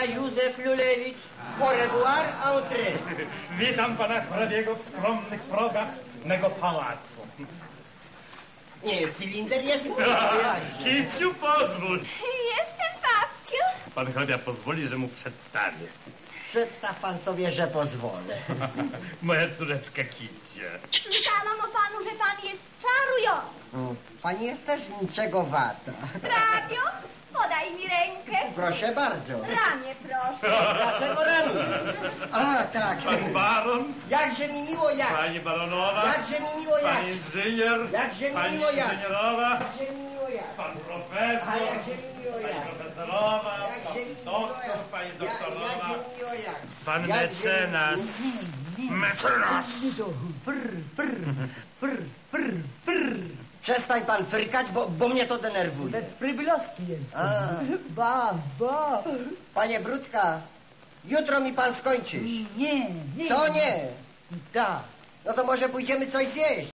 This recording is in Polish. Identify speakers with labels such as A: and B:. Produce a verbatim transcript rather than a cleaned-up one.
A: ja Józef Lulewicz. Au revoir, entrée.
B: Witam pana hrabiego w skromnych progach mego pałacu.
A: Nie, cylinder jest mój.
B: Kiciu, pozwól.
C: Jestem, babciu.
B: Pan hrabia pozwoli, że mu przedstawię.
A: Przedstaw pan sobie, że pozwolę.
B: Moja córeczka Kicie.
C: Słyszałam o panu, że pan jest czarujący.
A: Pani jest też niczego wata.
C: Hrabio, podaj mi rękę.
A: Proszę bardzo.
C: Ramię, proszę.
A: Dlaczego ramię? A, tak.
B: Pan baron.
A: Jakże mi miło jak.
B: Pani baronowa.
A: Jakże mi miło jak.
B: Pani inżynier.
A: Jakże mi
B: Pani
A: miło jak.
B: inżynierowa.
A: Jakże mi miło jak.
B: Pan profesor.
A: A jakże mi miło
B: Pani
A: jak.
B: profesorowa.
A: Jakże mi
B: Pan
A: miło
B: doktor.
A: jak.
B: Pani
A: Ja-
B: doktorowa.
A: Jakże mi miło jak.
B: Pan
A: Jakże mi-
B: mecenas. Mecenas.
A: Przestań pan frykać, bo, bo mnie to denerwuje.
D: Przybylowski jest.
A: A.
D: Ba, ba.
A: Panie Brudka, jutro mi pan skończysz.
D: Nie, nie.
A: Co nie?
D: Tak.
A: No to może pójdziemy coś zjeść.